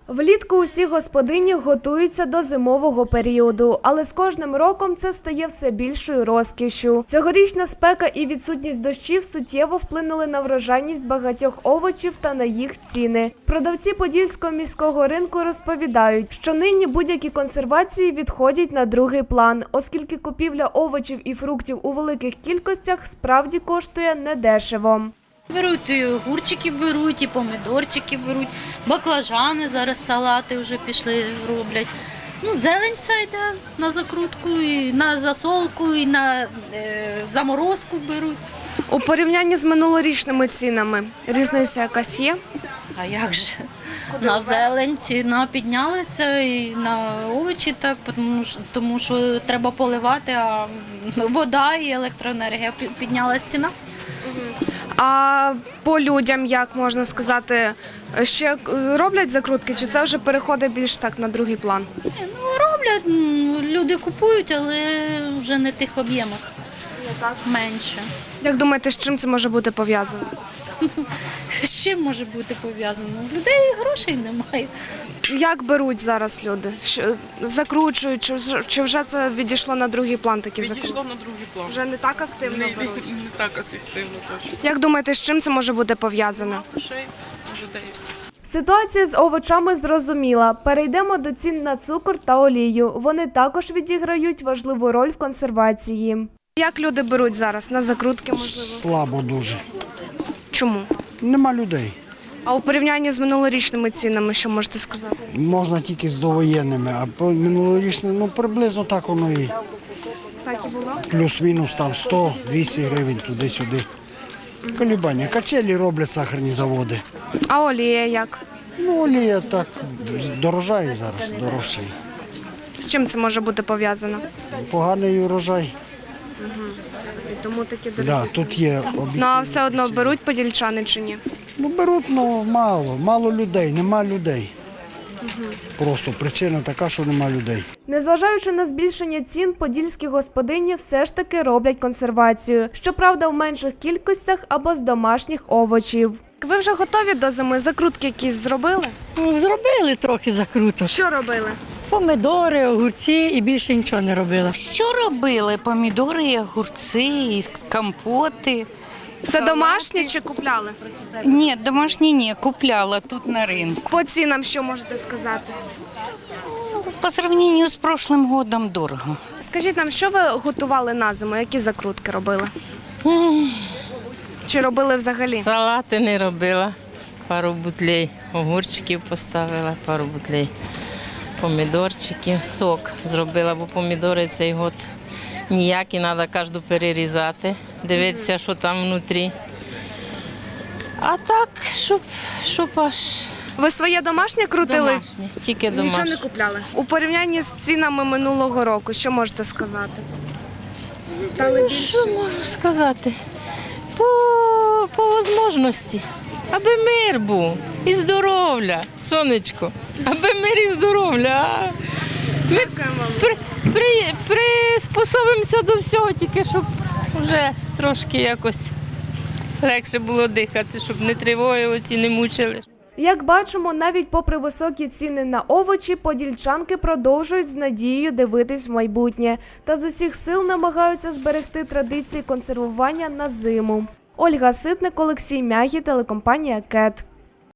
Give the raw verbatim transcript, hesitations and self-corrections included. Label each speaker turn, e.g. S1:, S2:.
S1: Влітку усі господині готуються до зимового періоду, але з кожним роком це стає все більшою розкішшю. Цьогорічна спека і відсутність дощів суттєво вплинули на врожайність багатьох овочів та на їх ціни. Продавці Подільського міського ринку розповідають, що нині будь-які консервації відходять на другий план, оскільки купівля овочів і фруктів у великих кількостях справді коштує недешево.
S2: Беруть і огурчиків беруть, і помідорчики беруть, баклажани зараз салати вже пішли, роблять. Ну, зелень все йде на закрутку, і на засолку, і на е, заморозку беруть.
S1: У порівнянні з минулорічними цінами різниця якась є?
S2: А як же? На зелень ціна піднялася, і на овочі так, тому що, тому що треба поливати, а вода і електроенергія піднялася ціна.
S1: А по людям, як можна сказати, ще роблять закрутки, чи це вже переходить більш так на другий план?
S2: Ну, роблять, люди купують, але вже не в тих об'ємах, менше.
S1: Як думаєте, з чим це може бути пов'язано?
S2: З чим може бути пов'язано? У людей грошей немає.
S1: Як беруть зараз люди? Що, закручують, чи вже, чи вже це відійшло на другий план такі закрутки?
S3: Відійшло на другий план.
S1: Вже не так активно
S3: Не, не,
S1: беруть?
S3: не так активно точно.
S1: Як думаєте, з чим це може бути пов'язано?
S3: Грошей людей.
S1: Ситуація з овочами зрозуміла. Перейдемо до цін на цукор та олію. Вони також відіграють важливу роль в консервації. Як люди беруть зараз? На закрутки, можливо?
S4: Слабо дуже.
S1: Чому?
S4: Нема людей.
S1: А у порівнянні з минулорічними цінами, що можете сказати?
S4: Можна тільки з довоєнними, а по минулорічним, ну приблизно так воно і
S1: Так і було?
S4: плюс-мінус там сто-двісті гривень туди-сюди. Колібання. Качелі роблять сахарні заводи.
S1: А олія як?
S4: Ну, олія так дорожає зараз, дорожчий.
S1: З чим це може бути пов'язано?
S4: Поганий урожай.
S1: І тому такі дорогі.
S4: Да, тут є об'єкти.
S1: Ну а все одно беруть подільчани чи ні?
S4: Ну беруть, ну мало, мало людей, нема людей. Просто причина така, що нема людей.
S1: Незважаючи на збільшення цін, подільські господині все ж таки роблять консервацію. Щоправда, в менших кількостях або з домашніх овочів. Ви вже готові до зими? Закрутки якісь зробили?
S5: Зробили трохи закруток.
S1: Що робили?
S5: Помидори, огурці і більше нічого не робила.
S6: Все робили, помідори, і огурці, і компоти.
S1: Все домашнє чи купляли?
S6: Ні, домашні ні, купляла тут на ринку.
S1: По цінам що можете сказати?
S6: По сравнению з прошлым годом дорого.
S1: Скажіть нам, що ви готували на зиму? Які закрутки робили? Чи робили взагалі?
S7: Салати не робила, пару бутлей огурчиків поставила, пару бутлей помідорчиків, сок зробила, бо помідори цей год ніякі, треба кожну перерізати, дивитися, що там внутрі. А так, щоб, щоб аж
S1: Ви своє домашнє крутили?
S7: домашнє, тільки домашнє.
S1: Нічого не купляли? У порівнянні з цінами минулого року, що можете сказати? Стали більше?
S7: Що можу сказати? По, по можливості. Аби мир був і здоров'я, сонечко. Аби мир і здоров'я. а? Ми при, при, приспособимося до всього, тільки щоб вже трошки якось легше було дихати, щоб не тривоги оці не мучили.
S1: Як бачимо, навіть попри високі ціни на овочі, подільчанки продовжують з надією дивитись в майбутнє та з усіх сил намагаються зберегти традиції консервування на зиму. Ольга Ситник, Олексій Мягі, телекомпанія КЕТ.